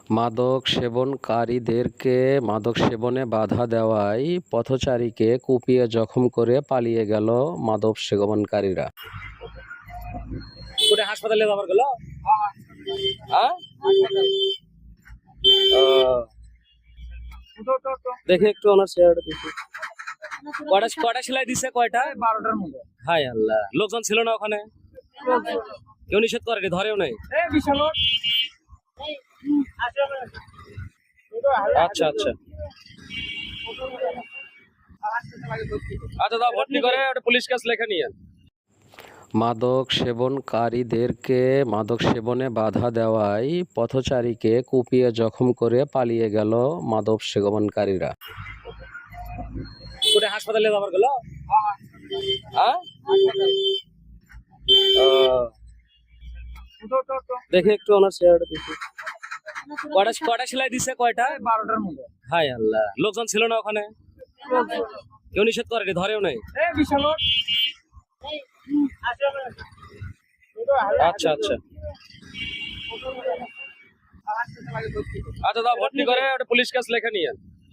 মাদক সেবনকারীদেরকে মাদক সেবনে বাধা দেওয়ায় পথচারীকে কুপিয়ে জখম করে পালিয়ে গেল মাদক সেবনকারীরা। কোথায় হাসপাতালে যাবার গেল? হ্যাঁ, দেখি একটু ওনার চেহারাটা দেখি। কয়টা সেলাই দিছে? কয়টা? 12টার মধ্যে। হায় আল্লাহ, লোকজন ছিল না ওখানে? কেউ নিষেধ করেনি, ধরেও নাই? আচ্ছা আচ্ছা আচ্ছা, দাও ভর্তি করে ওটা পুলিশ কেস লেখা নিয়ে। মাদক সেবনকারীদেরকে মাদক সেবনে বাধা দেওয়ায় পথচারীকে কুপিয়ে জখম করে পালিয়ে গেল মাদক সেবনকারীরা। কোথায় হাসপাতালে যাবার গেল? হ্যাঁ, দেখি একটু ওনার চেহারাটা দেখি। কয়টা সেলাই দিছে? কয়টা? 12টার মধ্যে। হায় আল্লাহ, লোকজন ছিল না ওখানে? কেউ নিষেধ করেনি, ধরেও নাই? আচ্ছা আচ্ছা আচ্ছা, দাও ভর্তি করে ওটা পুলিশ কেস লেখা নিয়ে।